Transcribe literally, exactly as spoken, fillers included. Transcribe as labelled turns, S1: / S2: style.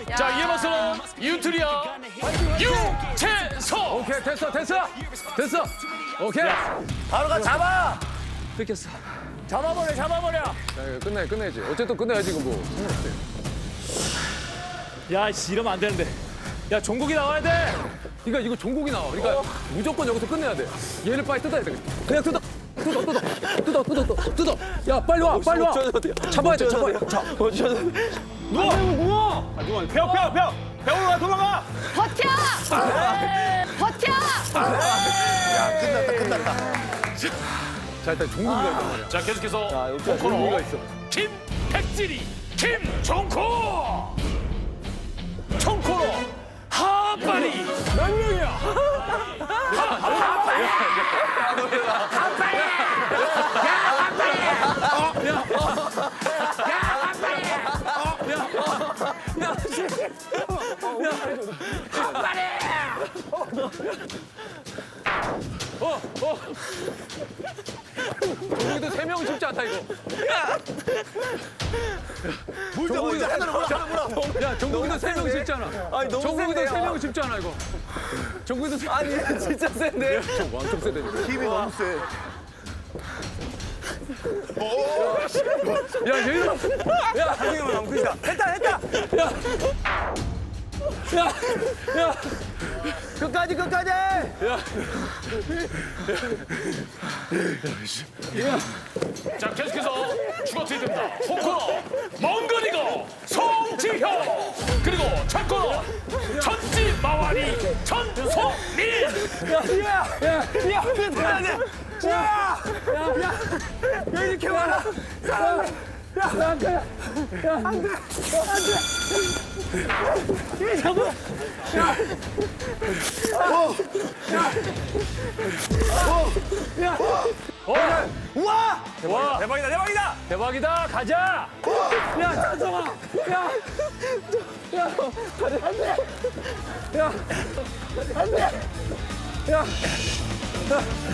S1: 자, 이에 맞서는 유트리아 유채서.
S2: 오케이, 됐어, 됐어. 됐어. 오케이.
S3: 바로 가 잡아.
S2: 뺏겼어.
S3: 잡아버려 잡아버려.
S2: 야, 이거 끝내, 끝내야지. 어쨌든 끝내야지, 이거 뭐. 상관없지.
S1: 야, 씨, 이러면 안 되는데. 야, 종국이 나와야 돼.
S2: 그러니까 이거 종국이 나와. 그러니까 무조건 여기서 끝내야 돼. 얘를 빨리 뜯어야 돼. 그냥 뜯어. 뜯어, 뜯어. 뜯어, 뜯어, 뜯어. 뜯어. 야, 빨리 와, 빨리 와. 잡아야 돼, 잡아야 돼. 자,
S3: 누워 누워. 아, 누워. 배워 배워 배워. 배우러 가 도망가.
S4: 버텨! 버텨!
S3: 야 끝났다 끝났다.
S2: 자, 일단 종국이가 있단 말이야.
S1: 자, 계속해서
S2: 종국이가
S1: 코너
S2: 있어.
S1: 김백질이 김종코. 총코너 하빠리.
S3: 몇 명이야?
S2: 종국이도 세 명은 쉽지 않다, 이거.
S3: 물자 물자 하나로 물어 하나로 물어.
S2: 야, 종국이도 세 명 쉽지 않아.
S3: 아니 너무
S2: 종국이도
S3: 센데요.
S2: 세 명 쉽지 않아, 이거. 종국이도 세
S3: 아니 진짜 센데.
S2: 좀 왕통 세대.
S3: 힘이 너무 세.
S2: 야, 얘는. 야,
S3: 힘이 너무 크다. 했다 했다.
S2: 야, 야.
S3: 끝까지 끝까지.
S1: 자, 계속해서 추가 투입됩니다. 총코너 멍거리고 송지효. 그리고 첫코너 천지 마와리 전소민.
S3: 야, 야, 야, 야, 야, 야, 야, 이렇게 많아. 사람들. 야, 안 돼. 야, 안 돼. 안 돼. 이 잡아. 야. 어. 야. 어. 야. 어. 우와.
S2: 와,
S3: 대박이다, 대박이다.
S2: 대박이다. 가자.
S3: 야, 찬성아. 야. 야, 다리 안 돼. 야. 안 돼. 야.